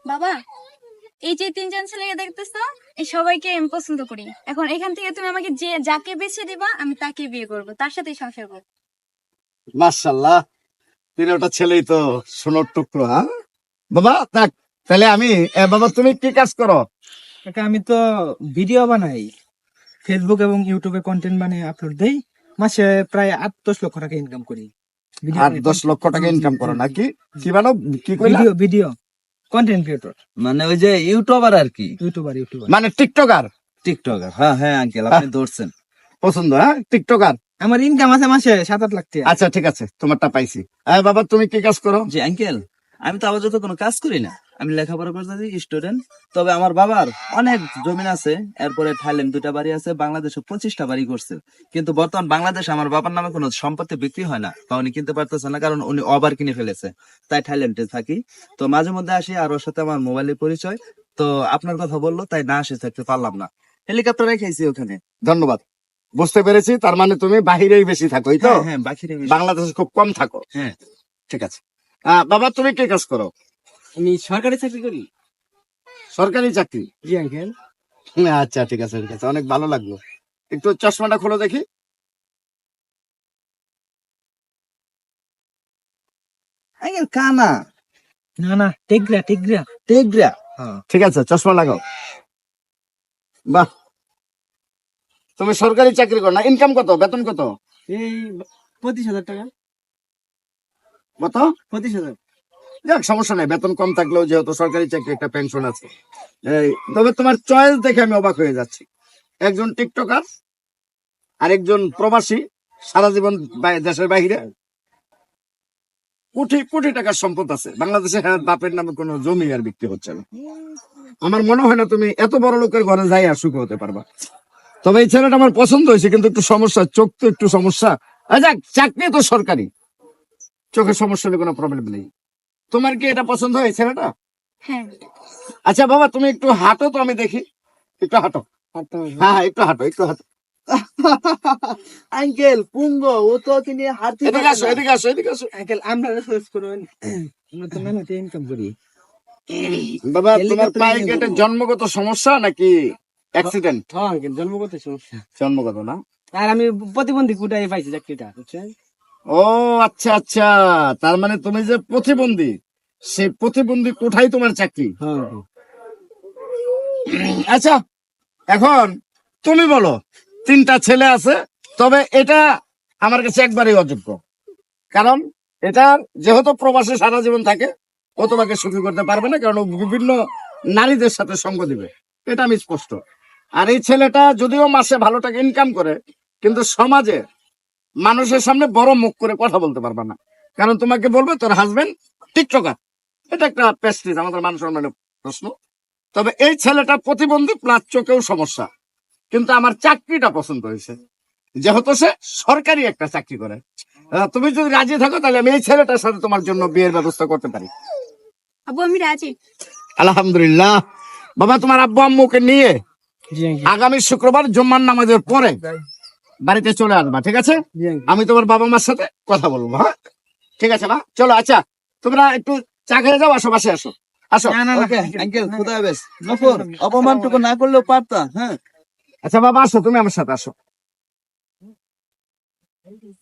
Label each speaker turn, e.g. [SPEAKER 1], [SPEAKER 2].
[SPEAKER 1] বাবা, এই যে তিনজন ছেলেকে দেখতেছো, এই সবাইকে আমি পছন্দ করি। এখন এখান থেকে তুমি আমাকে যাকে বেছে দিবা আমি তাকে বিয়ে করব, তার সাথেই সংসার করবো।
[SPEAKER 2] মাশাআল্লাহ, তিনটা ছেলেই তো সোনার টুকরো। হ্যাঁ বাবা, থাক তাহলে আমি বাবা তুমি কি কাজ করো?
[SPEAKER 3] কাকা আমি তো ভিডিও বানাই, ফেসবুক এবং ইউটিউবে কন্টেন্ট বানিয়ে আপলোড দেই। মাসে প্রায় 8-10 লক্ষ টাকা ইনকাম করি।
[SPEAKER 2] 8-10 লক্ষ টাকা ইনকাম করো নাকি? কি বানো কি কইলা?
[SPEAKER 3] ভিডিও ভিডিও কন্টেন্ট ক্রিয়েটর,
[SPEAKER 4] মানে ওই যে ইউটিউবার আর কি,
[SPEAKER 3] ইউটিউবার।
[SPEAKER 2] মানে টিকটকার?
[SPEAKER 4] টিকটকার। হ্যাঁ হ্যাঁ আঙ্কেল, আপনি ধরছেন।
[SPEAKER 2] পছন্দ, হ্যাঁ টিকটকার।
[SPEAKER 3] আমার ইনকাম আছে মাসে 7-8 লাখ টাকা।
[SPEAKER 2] আচ্ছা ঠিক আছে, তোমারটা পাইছি। বাবা তুমি কি কাজ করো?
[SPEAKER 4] জি আঙ্কেল, আমি তো আপাতত কোনো কাজ করি না, আমি লেখাপড়া করতেছি, স্টুডেন্ট। তবে আমার বাবার অনেক জমিন আছে, এরপরে থাইল্যান্ড 2টা বাড়ি আছে, বাংলাদেশে 25টা বাড়ি করছে। কিন্তু বর্তমান বাংলাদেশে আমার বাবার নামে কোনো সম্পত্তি বিক্রি হয় না, বা উনি কিনতে পারতেছে না, কারণ উনি ওভার কিনে ফেলেছে। তাই থাইল্যান্ডে থাকি। তো মাঝে মধ্যে আসি, আর ওর সাথে আমার মোবাইলের পরিচয়। তো আপনার কথা বললো, তাই না আসে থাকতে পারলাম না। হেলিকপ্টার রেখেছি ওখানে।
[SPEAKER 2] ধন্যবাদ, বুঝতে পেরেছি। তার মানে তুমি বাহিরেই বেশি থাকো, এই তো?
[SPEAKER 4] হ্যাঁ হ্যাঁ, বাকিরে
[SPEAKER 2] বাংলাদেশে খুব কম থাকো।
[SPEAKER 4] হ্যাঁ।
[SPEAKER 2] ঠিক আছে। বাবা তুমি কি কাজ করো?
[SPEAKER 3] আমি সরকারি চাকরি করি।
[SPEAKER 2] সরকারি চাকরি?
[SPEAKER 3] জি আঙ্কেল।
[SPEAKER 2] আচ্ছা ঠিক আছে ঠিক আছে, অনেক ভালো লাগলো। একটু চশমাটা খোলো দেখি।
[SPEAKER 4] আঙ্কেল কানা।
[SPEAKER 3] না টেকরা।
[SPEAKER 4] টেকরা।
[SPEAKER 3] হ্যাঁ।
[SPEAKER 2] ঠিক আছে, চশমা লাগাও। বাহ, তুমি সরকারি চাকরি করো না? ইনকাম কত, বেতন কত?
[SPEAKER 3] এই 25,000 টাকা।
[SPEAKER 2] কত?
[SPEAKER 3] 25,000।
[SPEAKER 2] যাক, সমস্যা নাই, বেতন কম থাকলেও যেহেতু সরকারি চাকরি একটা পেনশন আছে। তবে তোমার চয়েস দেখে আমি অবাক হয়ে যাচ্ছি। একজন টিকটকার আর একজন প্রবাসী, সারা জীবন দেশের বাইরে, কোটি কোটি টাকার সম্পদ আছে বাংলাদেশে। হ্যাঁ, বাপের নামে কোনো জমি আর বিক্রি হচ্ছে না। আমার মনে হয় না তুমি এত বড় লোকের ঘরে যাই আর সুখী হতে পারবা। তবে এই ছেলেটা আমার পছন্দ হয়েছে, কিন্তু একটু সমস্যা, চোখ তো একটু সমস্যা। যাক, চাকরি তো সরকারি, চোখের সমস্যা হলে কোনো প্রবলেম নেই। তোমার কি এটা পছন্দ হয় ছেলেটা?
[SPEAKER 1] হ্যাঁ।
[SPEAKER 2] আচ্ছা বাবা, তুমি একটু হাঁটো তো, আমি দেখি। একটু হাঁটো। হ্যাঁ একটু হাঁটো, একটু হাঁটো।
[SPEAKER 4] আঙ্কেল পুঙ্গ, ও তো তিনি হাঁটতে
[SPEAKER 2] এদিকে আসো, এদিকে আসো, এদিকে আসো।
[SPEAKER 3] আঙ্কেল আমরা সার্চ করুন, আমরা তো মেহনতে ইনকাম করি।
[SPEAKER 2] বাবা, তোমার পায়ে কি এটা জন্মগত সমস্যা নাকি অ্যাক্সিডেন্ট?
[SPEAKER 3] হ্যাঁ আঙ্কেল, জন্মগত সমস্যা।
[SPEAKER 2] জন্মগত না?
[SPEAKER 3] আর আমি প্রতিবন্ধী কোটায় পাইছি চাকরিটা, বুঝছেন?
[SPEAKER 2] ও আচ্ছা আচ্ছা, তার মানে তুমি যে প্রতিবন্ধী, সেই প্রতিবন্ধী কোঠায় তোমার চাকরি।
[SPEAKER 3] হ্যাঁ।
[SPEAKER 2] আচ্ছা, এখন তুমি বলো, 3টা ছেলে আছে, তবে এটা আমার কাছে একবারেই অযোগ্য। কারণ এটা যেহেতু প্রবাসে সারা জীবন থাকে, ও তোমাকে সুখী করতে পারবে না, কারণ ও বিভিন্ন নারীদের সাথে সঙ্গ দিবে, এটা আমি স্পষ্ট। আর এই ছেলেটা যদিও মাসে ভালো টাকা ইনকাম করে, কিন্তু সমাজে মানুষের সামনে বড় মুখ করে কথা বলতে পারবে না, কারণ তোমাকে বলবে তোর হাজবেন্ড টিকটকার। এটা একটা প্রেস্টিজ, আমাদের মানুষ সম্মানের প্রশ্ন। তবে এই ছেলেটা প্রতিবন্ধী প্লাস চোখেও সমস্যা, কিন্তু আমার চাকরিটা পছন্দ হয়েছে, যেহেতু সে সরকারি একটা চাকরি করে। তুমি যদি রাজি থাকো, তাহলে আমি এই ছেলেটার সাথে তোমার জন্য বিয়ের ব্যবস্থা করতে পারি।
[SPEAKER 1] আব্বু আমি রাজি।
[SPEAKER 2] আলহামদুলিল্লাহ। বাবা, তোমার আব্বু আম্মুকে নিয়ে
[SPEAKER 3] জি আঙ্কেল।
[SPEAKER 2] আগামী শুক্রবার জুম্মার নামাজের পরে বাড়িতে চলে আসবা, ঠিক আছে?
[SPEAKER 3] জি আঙ্কেল।
[SPEAKER 2] আমি তোমার বাবা মার সাথে কথা বলবো। হ্যাঁ ঠিক আছে মা, চলো। আচ্ছা, তোমরা একটু চা খেয়ে যাও, আসো, বাসে আসো, আসো।
[SPEAKER 3] না
[SPEAKER 4] ওকে আঙ্কেল, খুদা হাফেজ। নফর, অপমানটুকু না করলেও পারতা। হ্যাঁ।
[SPEAKER 2] আচ্ছা বাবা, আসো, তুমি আমার সাথে আসো।